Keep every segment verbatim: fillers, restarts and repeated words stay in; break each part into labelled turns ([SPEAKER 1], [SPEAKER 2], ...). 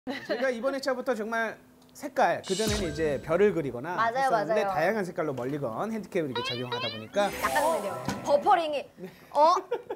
[SPEAKER 1] 제가 이번 회차부터 정말 색깔, 그전에는 이제 별을 그리거나
[SPEAKER 2] 맞아요,
[SPEAKER 1] 했었는데
[SPEAKER 2] 맞아요.
[SPEAKER 1] 다양한 색깔로 멀리건 핸디캡을 이렇게 적용하다 보니까
[SPEAKER 2] 약간 느려. 버퍼링이 어?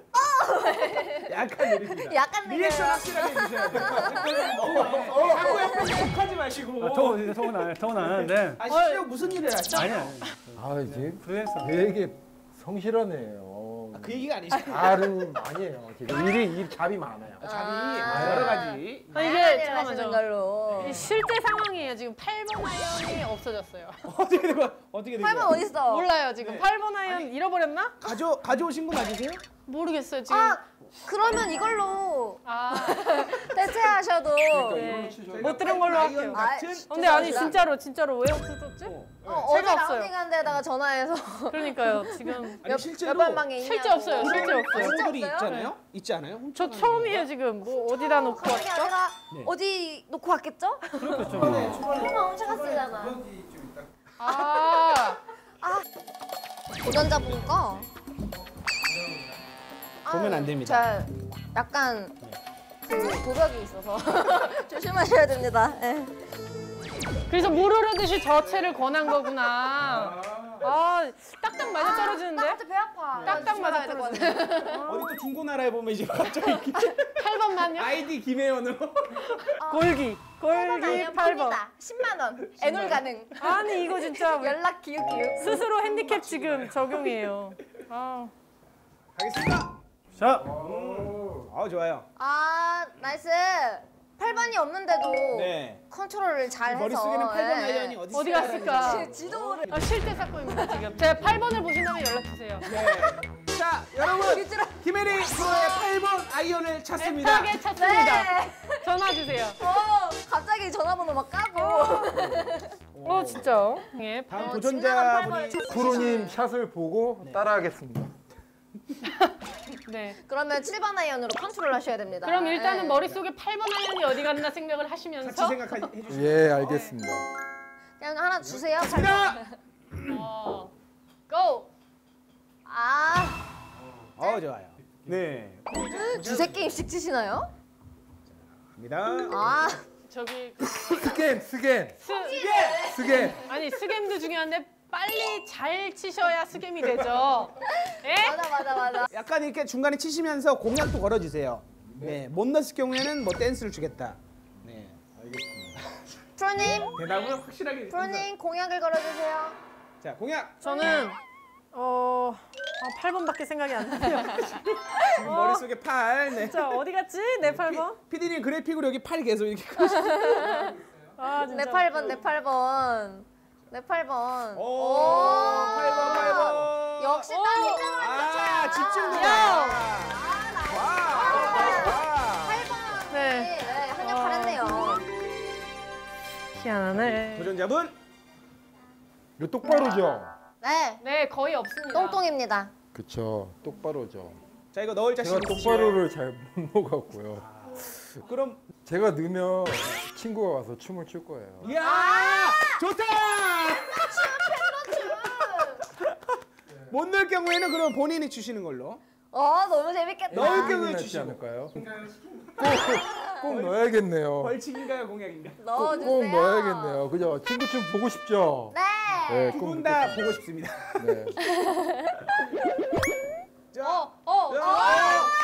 [SPEAKER 1] 약간 느립니다.
[SPEAKER 2] 약간 느려요.
[SPEAKER 1] 리액션 확실하게 해주셔야 돼요. 자꾸 옆에서 욕하지 마시고.
[SPEAKER 3] 아, 더, 더는 안, 더는 안 하는데.
[SPEAKER 1] 아, 실제로 무슨 일을 하시죠?
[SPEAKER 3] 아니, 아니.
[SPEAKER 4] 아 이제
[SPEAKER 3] 프리랜서.
[SPEAKER 4] 되게 성실하네요.
[SPEAKER 1] 아, 그 얘기가 아니죠.
[SPEAKER 4] 다른 아니에요. 지금 일이 일 잡이 많아요.
[SPEAKER 1] 잡이
[SPEAKER 2] 아.
[SPEAKER 1] 여러 가지.
[SPEAKER 5] 아, 이게
[SPEAKER 2] 하시는
[SPEAKER 5] 잠깐만요.
[SPEAKER 2] 걸로.
[SPEAKER 5] 이 실제 상황이에요. 지금 팔 번 아이언이 없어졌어요.
[SPEAKER 1] 어떻게 된 거야? 어떻게 된
[SPEAKER 2] 팔 번
[SPEAKER 1] 거야?
[SPEAKER 2] 어딨어?
[SPEAKER 5] 몰라요 지금.
[SPEAKER 1] 네.
[SPEAKER 5] 팔 번 아이언 잃어버렸나?
[SPEAKER 1] 가져 가져오신 거 맞으세요?
[SPEAKER 5] 모르겠어요 지금.
[SPEAKER 2] 아 그러면 이걸로
[SPEAKER 5] 아,
[SPEAKER 2] 대체하셔도.
[SPEAKER 5] 네. 못 들은 걸로
[SPEAKER 1] 아이언
[SPEAKER 5] 할게요.
[SPEAKER 1] 같은
[SPEAKER 5] 근데 아니
[SPEAKER 2] 죄송합니다.
[SPEAKER 5] 진짜로 진짜로 왜 없어졌지?
[SPEAKER 1] 어.
[SPEAKER 2] 어, 어제
[SPEAKER 5] 제가 없어요.
[SPEAKER 2] 라운딩한 데다가 전화해서
[SPEAKER 5] 그러니까요 지금.
[SPEAKER 1] 아니, 실제로
[SPEAKER 2] 몇번 방에 있냐고.
[SPEAKER 5] 실제 없어요. 실제 없어요.
[SPEAKER 2] 진짜
[SPEAKER 1] 친구들이
[SPEAKER 2] 없어요?
[SPEAKER 1] 있잖아요. 있지 않아요?
[SPEAKER 5] 저
[SPEAKER 1] 훔쳐가는
[SPEAKER 5] 처음이에요 지금. 뭐 어디다 놓고
[SPEAKER 2] 그게
[SPEAKER 5] 왔죠?
[SPEAKER 2] 아니라
[SPEAKER 1] 네.
[SPEAKER 2] 어디 놓고 왔겠죠?
[SPEAKER 3] 그렇겠죠.
[SPEAKER 2] 설마 훔쳐갔으잖아.
[SPEAKER 1] 거. 좀 있다.
[SPEAKER 5] 아,
[SPEAKER 2] 도전자분 거.
[SPEAKER 1] 보면 안 됩니다.
[SPEAKER 2] 잘 약간 그 도벽이 있어서 조심하셔야 됩니다. 네.
[SPEAKER 5] 그래서 물 흐르듯이 저 채를 권한 거구나. 아, 딱딱 맞아 떨어지는데?
[SPEAKER 2] 나한테 배 아파.
[SPEAKER 5] 딱딱 맞아
[SPEAKER 2] 조심해야 될것
[SPEAKER 5] 떨어지는데?
[SPEAKER 2] 같아.
[SPEAKER 1] 어디 또 중고나라에 보면 이제 갑자기
[SPEAKER 5] 팔 번만요?
[SPEAKER 1] 아이디 김혜연으로
[SPEAKER 5] 골기. 골기 팔 번.
[SPEAKER 2] 십만 원. 애놀 가능.
[SPEAKER 5] 아니 이거 진짜 왜
[SPEAKER 2] 연락 기웃기웃.
[SPEAKER 5] 스스로 핸디캡 지금 적용이에요. 아,
[SPEAKER 1] 가겠습니다.
[SPEAKER 3] 자,
[SPEAKER 1] 아 좋아요.
[SPEAKER 2] 아 나이스. 팔 번이 없는데도
[SPEAKER 1] 네.
[SPEAKER 2] 컨트롤을 잘 해서.
[SPEAKER 1] 머릿속에는 팔 번
[SPEAKER 2] 네.
[SPEAKER 1] 아이언이 어디
[SPEAKER 5] 어디
[SPEAKER 1] 있을까라는
[SPEAKER 5] 갔을까?
[SPEAKER 2] 지- 지도를.
[SPEAKER 5] 아 실제 사건입니다 지금. 제가 팔 번을 보신다면 연락 주세요.
[SPEAKER 1] 네. 자, 여러분 김혜리 프로의 팔 번 아이언을 찾습니다.
[SPEAKER 5] 애타게 찾습니다.
[SPEAKER 2] 네.
[SPEAKER 5] 전화 주세요.
[SPEAKER 2] 어 갑자기 전화번호 막 까고.
[SPEAKER 5] 어 진짜. 예.
[SPEAKER 1] 다음
[SPEAKER 2] 어, 진정한
[SPEAKER 1] 도전자분이
[SPEAKER 2] 팔 번을
[SPEAKER 4] 프로님 샷을 보고 따라하겠습니다.
[SPEAKER 5] 네.
[SPEAKER 2] 그러면 칠 번 아이언으로 컨트롤 하셔야 됩니다.
[SPEAKER 5] 그럼 일단은
[SPEAKER 2] 네.
[SPEAKER 5] 머릿속에 팔 번 아이언이 어디 갔나 생각을
[SPEAKER 1] 같이
[SPEAKER 5] 하시면서
[SPEAKER 1] 생각해 주시죠.
[SPEAKER 4] 예, 알겠습니다.
[SPEAKER 2] 그냥 하나 주세요.
[SPEAKER 1] 자,
[SPEAKER 5] 어. 고!
[SPEAKER 2] 아
[SPEAKER 1] 어 좋아요. 네,
[SPEAKER 2] 두세 게임씩 치시나요?
[SPEAKER 1] 갑니다.
[SPEAKER 2] 아
[SPEAKER 5] 저기
[SPEAKER 4] 스캔, 스캔,
[SPEAKER 5] 스
[SPEAKER 4] 스캔.
[SPEAKER 5] 아니 스겜도 중요한데 빨리 잘 치셔야 스겜이 되죠. 예?
[SPEAKER 2] 맞아 맞아 맞아.
[SPEAKER 1] 약간 이렇게 중간에 치시면서 공약도 걸어주세요. 네, 못 넣었을 경우에는 뭐 댄스를 주겠다. 네,
[SPEAKER 2] 프로님
[SPEAKER 1] 대답을 확실하게.
[SPEAKER 2] 프로님 공약을 걸어주세요.
[SPEAKER 1] 자, 공약.
[SPEAKER 5] 저는 어, 아, 팔 번밖에 생각이 안 나요.
[SPEAKER 1] 지금 머릿속에 팔. 네.
[SPEAKER 5] 자 어디 갔지? 내 팔 번?
[SPEAKER 1] 피디님 그래픽으로 여기 팔 계속 이렇게 그리시죠.
[SPEAKER 5] 아 진짜.
[SPEAKER 2] 내 팔 번 내 팔 번 내 팔 번.
[SPEAKER 1] 오, 팔 번, 팔 번.
[SPEAKER 2] 역시
[SPEAKER 5] 오.
[SPEAKER 2] 딴
[SPEAKER 1] 아, 집중력.
[SPEAKER 5] 야.
[SPEAKER 1] 와.
[SPEAKER 2] 팔 번.
[SPEAKER 5] 네.
[SPEAKER 2] 네, 네 한역 잘했네요.
[SPEAKER 5] 희한하네.
[SPEAKER 1] 도전자분.
[SPEAKER 4] 이거 똑바로죠?
[SPEAKER 2] 네
[SPEAKER 5] 네 거의 없습니다.
[SPEAKER 2] 똥똥입니다.
[SPEAKER 4] 그쵸, 똑바로죠.
[SPEAKER 1] 자, 이거 넣을 자신
[SPEAKER 4] 제가
[SPEAKER 1] 있으시나요?
[SPEAKER 4] 똑바로를 잘 못 넣어갖고요.
[SPEAKER 1] 그럼
[SPEAKER 4] 제가 넣으면 친구가 와서 춤을 출 거예요.
[SPEAKER 1] 이야, 좋다. 못 넣을 경우에는 그럼 본인이 주시는 걸로.
[SPEAKER 2] 어 너무 재밌겠다.
[SPEAKER 1] 넣을 경우에
[SPEAKER 4] 본인이 낫지
[SPEAKER 1] 주시고.
[SPEAKER 4] 않을까요? 꼭, 꼭 넣어야겠네요.
[SPEAKER 1] 벌칙인가요, 공약인가?
[SPEAKER 2] 넣어주세요.
[SPEAKER 4] 꼭 넣어야겠네요. 그죠? 친구 춤 보고 싶죠?
[SPEAKER 2] 네.
[SPEAKER 4] 네,
[SPEAKER 1] 두
[SPEAKER 4] 꼭
[SPEAKER 1] 분 다
[SPEAKER 4] 넣겠습니다.
[SPEAKER 1] 보고 싶습니다.
[SPEAKER 4] 네.
[SPEAKER 1] 자,
[SPEAKER 5] 어, 어,
[SPEAKER 1] 자,
[SPEAKER 5] 어.